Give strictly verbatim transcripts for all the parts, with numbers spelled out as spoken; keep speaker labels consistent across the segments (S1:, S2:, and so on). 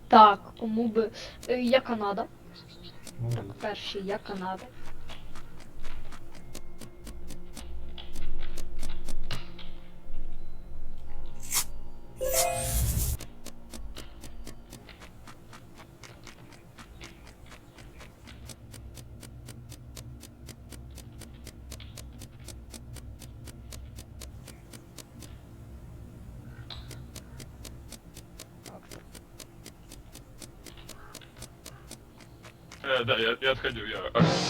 S1: Так, кому би. Е, Я Канада.
S2: Ну,
S1: Так, перший я Канада.
S3: Э, да, я, я отходил, я...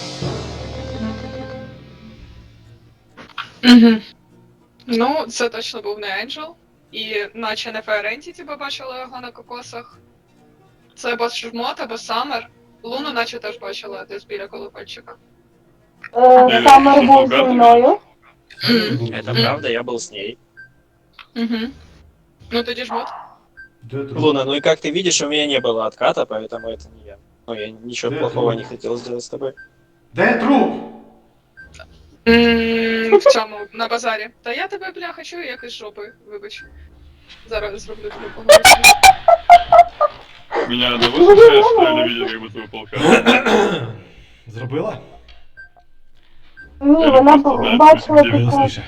S4: Угу. Ну, це точно був не Енджел. І наче не Fire Entity побачила його на кокосах. Це або Жмот, або Саммер. Луну наче теж бачила десь біля колокольчика.
S5: Е, Самер був зі мною.
S6: Это правда, я был с ней.
S4: Угу. Ну тоді Жмот.
S2: Де труп?
S6: Луна, ну и как ты видишь, у меня не было отката, поэтому это не я. Ну, я ничего
S2: Да,
S6: плохого
S2: это-
S6: не хотел сделать с тобой.
S2: Де труп?
S4: М, В цьому, на базарі. Та я тебе, бляха, чую, як із жопи, вибач. Зараз зроблю тобі поговорити.
S3: Меня одного смущает, что я не видел как будто бы полка.
S2: Зробила?
S5: Ні,
S3: Я
S5: вона
S3: просто,
S5: б-
S3: блядь,
S5: бачила
S3: где-
S5: таке.
S2: Голосніше.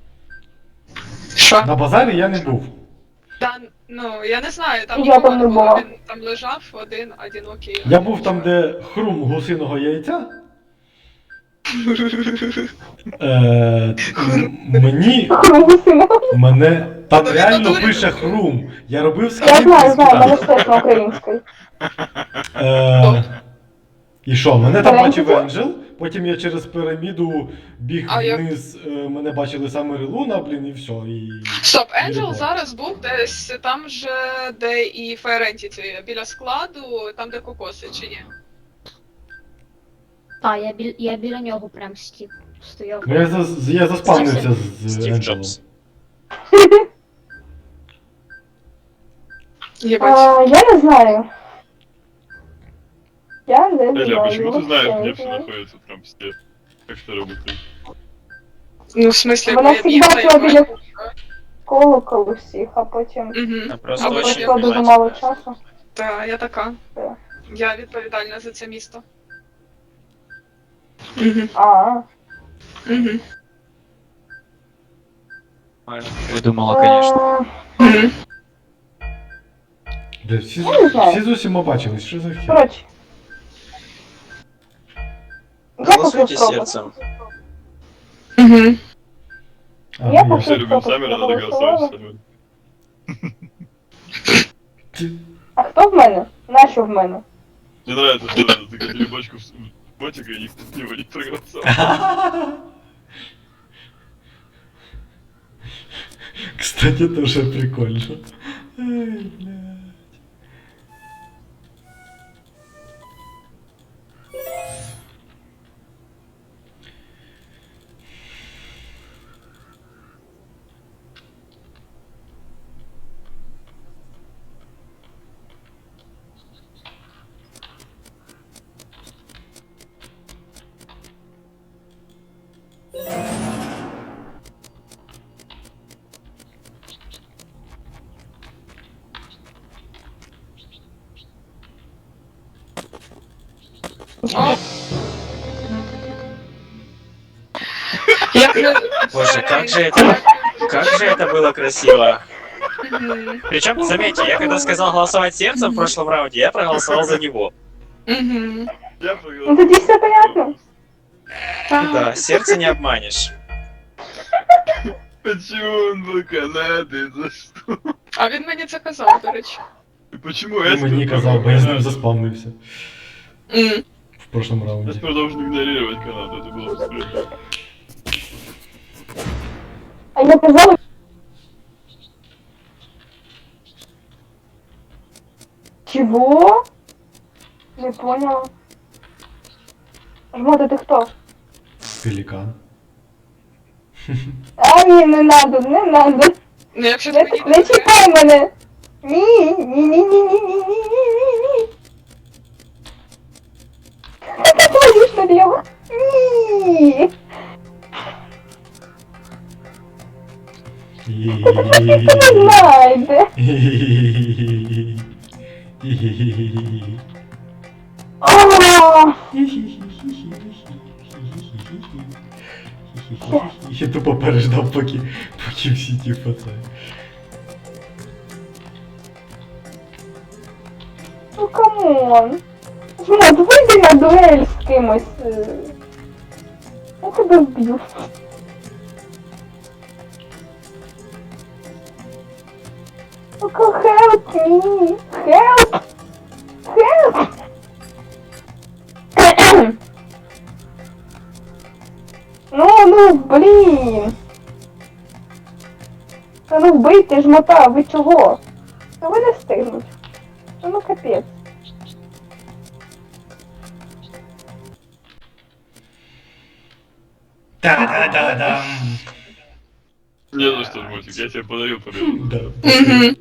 S4: Що?
S2: На базарі я не був.
S4: Та, ну, я не знаю, там
S5: Я
S4: нікого
S5: там
S4: не
S5: не
S4: було,
S5: була.
S4: він там лежав один, одинокий.
S2: Я був там, де хрум гусиного яйця. Е, м- мені.
S5: Хрумусина.
S2: Мене. Там
S4: Ну,
S2: реально
S4: він
S2: пише хрум. Я робив
S5: Я
S2: скрін.
S5: знаю, знаю, в мене ж теж на українській.
S2: Е, І що, мене там
S5: Енджел?
S2: бачив Енджел, потім я через піраміду біг
S4: А я-
S2: вниз, е, мене бачили саме Луна, блін, і все. І...
S4: Стоп, Енджел
S2: Любов.
S4: зараз був десь там же, де і Fire Entity, біля складу, там де кокоси, чи ні?
S1: Та, я, біль... я біля нього прям стів. Стояв.
S2: Ну, я, зас- я заспавнився з
S6: Стив
S2: Енджелом.
S6: Джобс.
S4: Єбать.
S5: А, я не знаю. Я не
S3: Эля,
S5: знаю.
S3: почему ты знаешь, где
S5: Я
S3: все
S5: не знаю.
S3: находится в Трампсте? Как это работает?
S4: Ну, в смислі,
S5: Вона
S4: бо я
S5: всіх
S4: бігла,
S5: бачила
S4: я
S5: біля
S4: бачила.
S5: колоколу всіх, а потім...
S4: Угу.
S6: Я просто
S4: Або
S5: Або
S6: очень
S5: пройшло дуже
S6: внимательно.
S5: мало часу.
S4: Та, я така.
S5: Так.
S4: Я відповідальна за це місто. Угу.
S5: А,
S4: Угу.
S6: Выдумала, конечно.
S5: Е,
S4: Угу.
S2: Де всі,
S5: Я не знаю.
S2: всі з усіма бачились, що за хер?
S5: коротше. Я
S6: Голосуйте
S5: хочу
S6: сердцем.
S4: Угу.
S2: А,
S5: Я
S2: ну,
S3: Все
S5: поки-
S3: любим Саммера, надо голосовать Саммера.
S5: А хто в мене? Нащо в мене?
S3: Мне нравится, что надо закатили бочку в ботика и никто в него не проголосовал.
S2: Кстати, тоже прикольно. Ай, бля.
S4: О! Як же...
S6: Боже, как же это... Как же это было красиво.
S4: Угу.
S6: Причем, заметьте, я когда сказал голосовать сердцем в прошлом раунде, я проголосовал за него.
S4: Угу.
S3: Я
S5: Ну
S3: проголосовал.
S5: тоді все понятно.
S6: Да, сердце не обманешь.
S3: Почему он был Канадой? За что?
S4: А він мені це казав, до речі.
S3: И почему
S2: Ти
S3: Эспер
S2: мені казав, бо я з ним заспавнився
S4: М.
S2: в прошлом раунді.
S3: Эспер должен игнорировать Канаду, это было бы справедливо.
S5: А я казала... Чего? Не поняла. Жмота, ти хто?
S2: Пелікан.
S5: А, ні, не надо, не надо.
S4: Ну, якщо
S5: Не,
S4: ти мені
S5: не
S4: не
S5: чіпай мене. Ні, ні, ні, ні, ні, ні, ні, ні, ні, ні. Ти ходиш на нього. Ні.
S2: І-
S5: Не знайде.
S2: Хі-хі-хі-хі-хі.
S5: А,
S2: Я тупо переждав, поки, поки всі ті пацани.
S5: Ну камон. Жмот, вийди на дуель з кимось. е. Я тебе вб'ю. Сука, help me! Help! Help! Ну, ну, блін! Та ну вбийте жмота, ви чого? Та ви не встигнуть. Та ну капець.
S2: Та-да-да-дам!
S3: Не за что, Жмотик, я тебе подарил победу.
S2: Да.
S4: Угу.